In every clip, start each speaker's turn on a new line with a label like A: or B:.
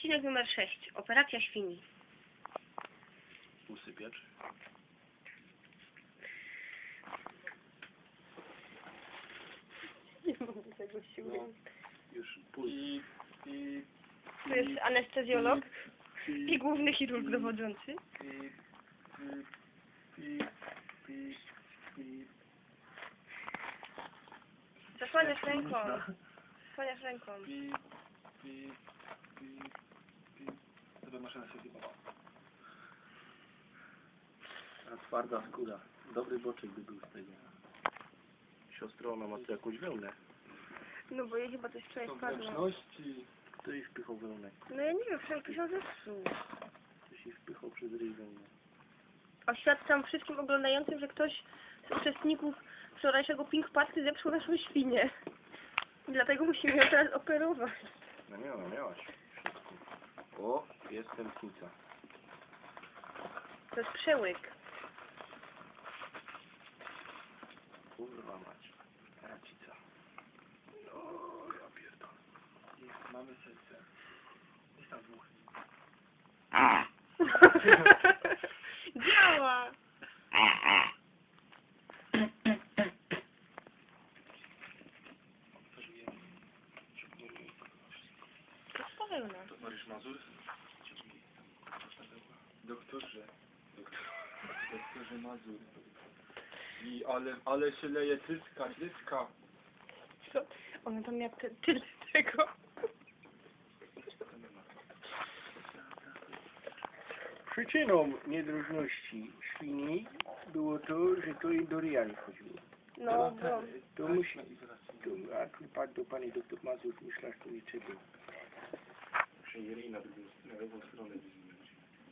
A: Odcinek numer 6. Operacja świni.
B: Usypiacz.
A: Nie mogę tego siły.
B: Już pójdź.
A: To jest anestezjolog i główny chirurg dowodzący. Zasłaniasz ręką. Zasłaniasz ręką.
B: Dobra, maszyna się chyba. A twarda skóra. Dobry boczek by był z tego. Siostro, ona ma tu jakąś wełnę.
A: No bo jej chyba coś wczoraj spadło.
B: Kto jej wpychał wełnę?
A: No ja nie wiem, wczoraj ktoś ją zepsuł.
B: Ktoś jej wpychał przez ryj wełnę.
A: Oświadczam wszystkim oglądającym, że ktoś z uczestników wczorajszego Pink Party zepsuł naszą świnię. I dlatego musimy ją teraz operować.
B: No miałaś. Wszystko. O, jest tętnica.
A: To jest przełyk.
B: Kurwa mać. Racica. No, ja pierdolę. Mamy serce. Jest tam dwóch.
A: Działa! To jest pełna.
B: To Mariusz Mazur? Doktorze Mazur. I ale się leje cyska.
A: Co? Ona tam miała tyle tego.
B: Przyczyną niedrożności świni było to, że to jej do ryja nie chodziło.
A: No, bo...
B: To musi... A tu padł do pani doktor Mazur, myślę, że to niczego. Muszę jej na lewą stronę wyzwać.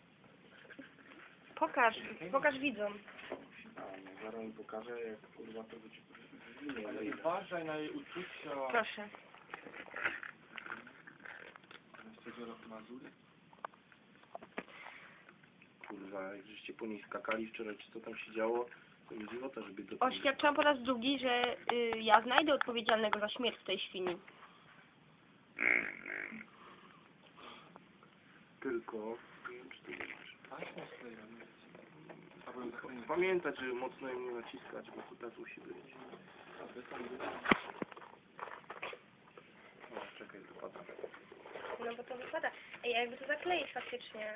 A: Pokaż widzom.
B: Zaraz mi pokażę, jak kurwa to być... Ale uważaj na jej uczucia.
A: Proszę.
B: Mazury? Kurwa, jak żeście po niej skakali wczoraj, czy co tam się działo, to mi dziwota, żeby to...
A: Oświadczam po raz drugi, że ja znajdę odpowiedzialnego za śmierć tej świni.
B: Tylko... Nie wiem, czy to jest... Pamiętać, że mocno ją nie naciskać, bo to tak musi być. O, czekaj, wypada.
A: No bo to wypada. Ej, jakby to zakleić faktycznie.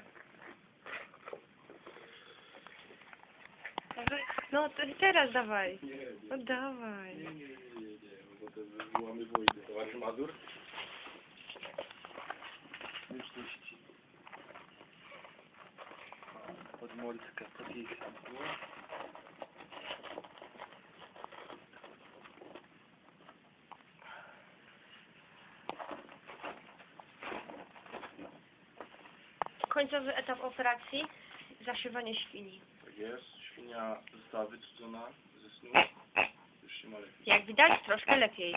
A: No to teraz dawaj. No dawaj.
B: Nie, bo to wywołamy wojnę. Towarzysz Mazur? Wieczności. Podmolska, podjechać.
A: Końcowy etap operacji. Zaszywanie świni.
B: Tak jest. Świnia została wycudzona ze snu. Już się ma lepiej.
A: Jak widać, troszkę lepiej.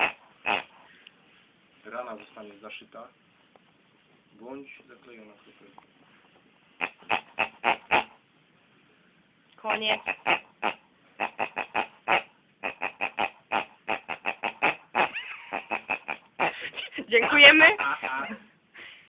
B: Rana zostanie zaszyta. Bądź zaklejona kroplą.
A: Koniec.